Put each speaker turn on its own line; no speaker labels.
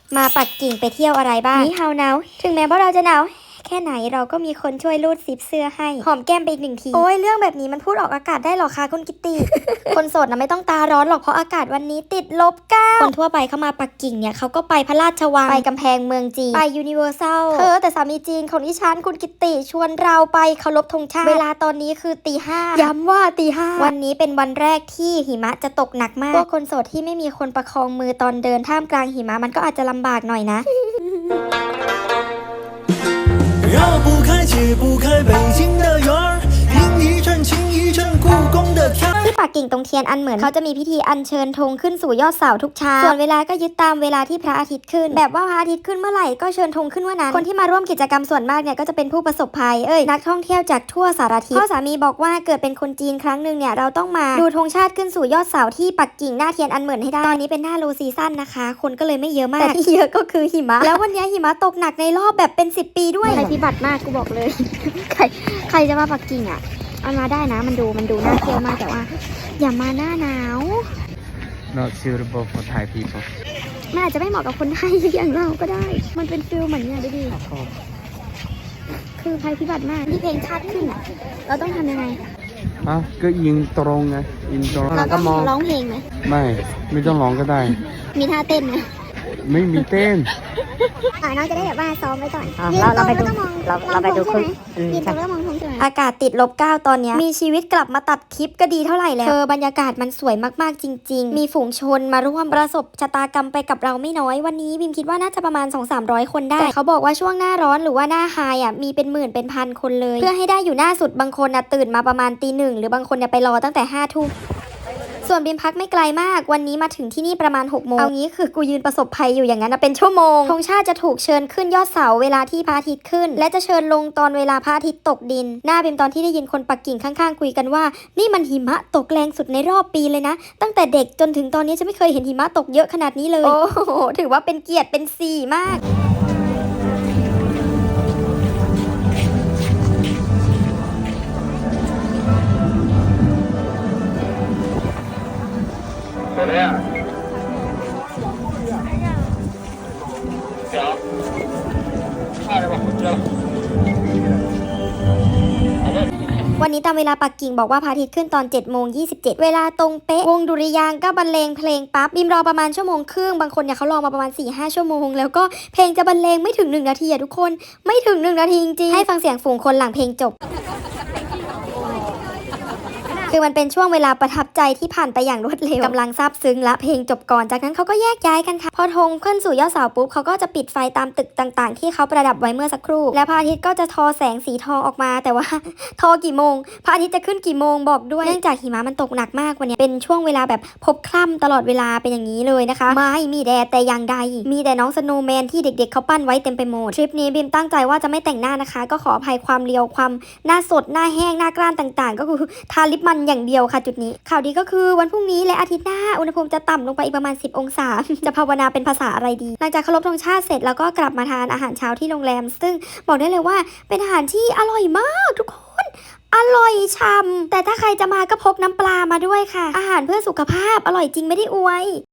มาปักกิ่งไปเที่ยวอะไรบ้างนี่เฮาหนาวถึงแม้ว่าเราจะหนาวแค่ไหนเราก็มีคนช่วยรูดซิปเสื้อให้หอมแก้มไปอีก1 ทีโอ้ยเรื่องแบบนี้มันพูดออกอากาศได้หรอคะคุณกิตติ คนโสดนะไม่ต้องตาร้อนหรอกเพราะอากาศวันนี้ติด-9คนทั่วไปเข้ามาปักกิ่งเนี่ยเขาก็ไปพระราชวังไปกำแพงเมืองจีนไปยูนิเวอร์แซลแต่สามีจีนของดิฉันคุณกิตติชวนเราไปเคารพธงชาติเวลาตอนนี้คือตี 5ย้ำว่าตี 5วันนี้เป็นวันแรกที่หิมะจะตกหนักมากพวกคนโสดที่ไม่มีคนประคองมือตอนเดินท่ามกลางหิมะมันก็อาจจะลำบากหน่อยนะ 绕不开解不开北京的圆儿听一阵情一阵故宫的天ที่ปักกิ่งตรงเทียนอันเหมือนเขาจะมีพิธีอัญเชิญธงขึ้นสู่ยอดเสาทุกเช้าส่วนเวลาก็ยึดตามเวลาที่พระอาทิตย์ขึ้นแบบว่าพระอาทิตย์ขึ้นเมื่อไหร่ก็เชิญธงขึ้นเมื่อนั้นคนที่มาร่วมกิจกรรมส่วนมากเนี่ยก็จะเป็นผู้ประสบภัยนักท่องเที่ยวจากทั่วสารทิศพ่อสามีบอกว่าเกิดเป็นคนจีนครั้งหนึ่งเนี่ยเราต้องมาดูธงชาติขึ้นสู่ยอดเสาที่ปักกิ่งหน้าเทียนอันเหมือนให้ได้ตอนนี้เป็นหน้าโลซีซั่นนะคะคนก็เลยไม่เยอะมากแต่ที่เยอะก็คือหิมะแล้ววันนี้หิมะตกหนักในรอบแบบเป็น10 ปีด้วยภัยพิบัติมากกูบอกเลย ใครจะมาปักกิ่งอ่ะเอามาได้นะมันดูน่าเที่ยวมากแต่ว่าอย่ามาหน้าหนาว
Not suitable for Thai people
มันอาจจะไม่เหมาะกับคนไทยอย่างเราก็ได้ มันเป็นฟิลเหมือนเนี่ยดูดิคือภัยพิบัติมากที่เพลงชาติขึ้นอ่ะเราต้องทำยังไง
ก็ยิงตรงไงยิงตรง
เราต้องร้องเพลงไหม
ไม่ต้องร้องก็ได้
มีท่าเต้นไหม
ไม่มีเต้น
น้องจะได้แบบว่าซ้อมไว้ก่อน
เราไปดูเราไปดูคุณ
ยืนตรงแล้วมองธงใช่ไหมอากาศติด-9ตอนนี้มีชีวิตกลับมาตัดคลิปก็ดีเท่าไหร่แล้วบรรยากาศมันสวยมากๆจริงๆมีฝูงชนมาร่วมประสบชะตากรรมไปกับเราไม่น้อยวันนี้บิมคิดว่าน่าจะประมาณ 200-300 คนได้แต่เขาบอกว่าช่วงหน้าร้อนหรือว่าหน้าไฮมีเป็นหมื่นเป็นพันคนเลยเพื่อให้ได้อยู่หน้าสุดบางคนตื่นมาประมาณตี 1หรือบางคนไปรอตั้งแต่5 ทุ่มส่วนบิมพักไม่ไกลมากวันนี้มาถึงที่นี่ประมาณ6 โมงเอางี้คือกูยืนประสบภัยอยู่อย่างนั้นเป็นชั่วโมงธงชาติจะถูกเชิญขึ้นยอดเสาเวลาที่พระอาทิตย์ขึ้นและจะเชิญลงตอนเวลาพระอาทิตย์ตกดินหน้าบิมตอนที่ได้ยินคนปักกิ่งข้างๆคุยกันว่านี่มันหิมะตกแรงสุดในรอบปีเลยนะตั้งแต่เด็กจนถึงตอนนี้จะไม่เคยเห็นหิมะตกเยอะขนาดนี้เลยโอ้โหถือว่าเป็นเกียรติเป็นสีมากวันนี้ตามเวลาปักกิ่งบอกว่าพระอาทิตย์ขึ้นตอน7:27เวลาตรงเป๊ะวงดุริยางค์ก็บรรเลงเพลงปั๊บบิมรอประมาณ1 ชั่วโมงครึ่งบางคนเนี่ยเขารอมาประมาณ 4-5 ชั่วโมงแล้วก็เพลงจะบรรเลงไม่ถึง1 นาทีทุกคนไม่ถึง1 นาทีจริงๆให้ฟังเสียงฝูงคนหลังเพลงจบคือมันเป็นช่วงเวลาประทับใจที่ผ่านไปอย่างรวดเร็วกำลังซาบซึ้งและเพลงจบก่อนจากนั้นเขาก็แยกย้ายกันค่ะพอธงขึ้นสู่ยอดเสาปุ๊บเขาก็จะปิดไฟตามตึกต่างๆที่เขาประดับไว้เมื่อสักครู่และพระอาทิตย์ก็จะทอแสงสีทองออกมาแต่ว่า ทอกี่โมงพระอาทิตย์จะขึ้นกี่โมงบอกด้วยเนื่องจากหิมะมันตกหนักมากวันนี้เป็นช่วงเวลาแบบพบค่ำตลอดเวลาเป็นอย่างนี้เลยนะคะไม่มีแดดแต่อย่างใดมีแต่น้องสโนว์แมนที่เด็กๆเขาปั้นไว้เต็มไปหมดทริปนี้บิมตั้งใจว่าจะไม่แต่งหน้านะคะก็ขออภัยความเรียวความหน้าสดหน้าแห้งหน้ากร้านต่างๆก็คือทาลิปมันอย่างเดียวค่ะจุดนี้ข่าวดีก็คือวันพรุ่งนี้และอาทิตย์หน้าอุณหภูมิจะต่ำลงไปอีกประมาณ10 องศา จะภาวนาเป็นภาษาอะไรดีหลังจากเคารพธงชาติเสร็จแล้วก็กลับมาทานอาหารเช้าที่โรงแรมซึ่งบอกได้เลยว่าเป็นอาหารที่อร่อยมากทุกคนอร่อยช่ำแต่ถ้าใครจะมาก็พกน้ำปลามาด้วยค่ะอาหารเพื่อสุขภาพอร่อยจริงไม่ได้อวย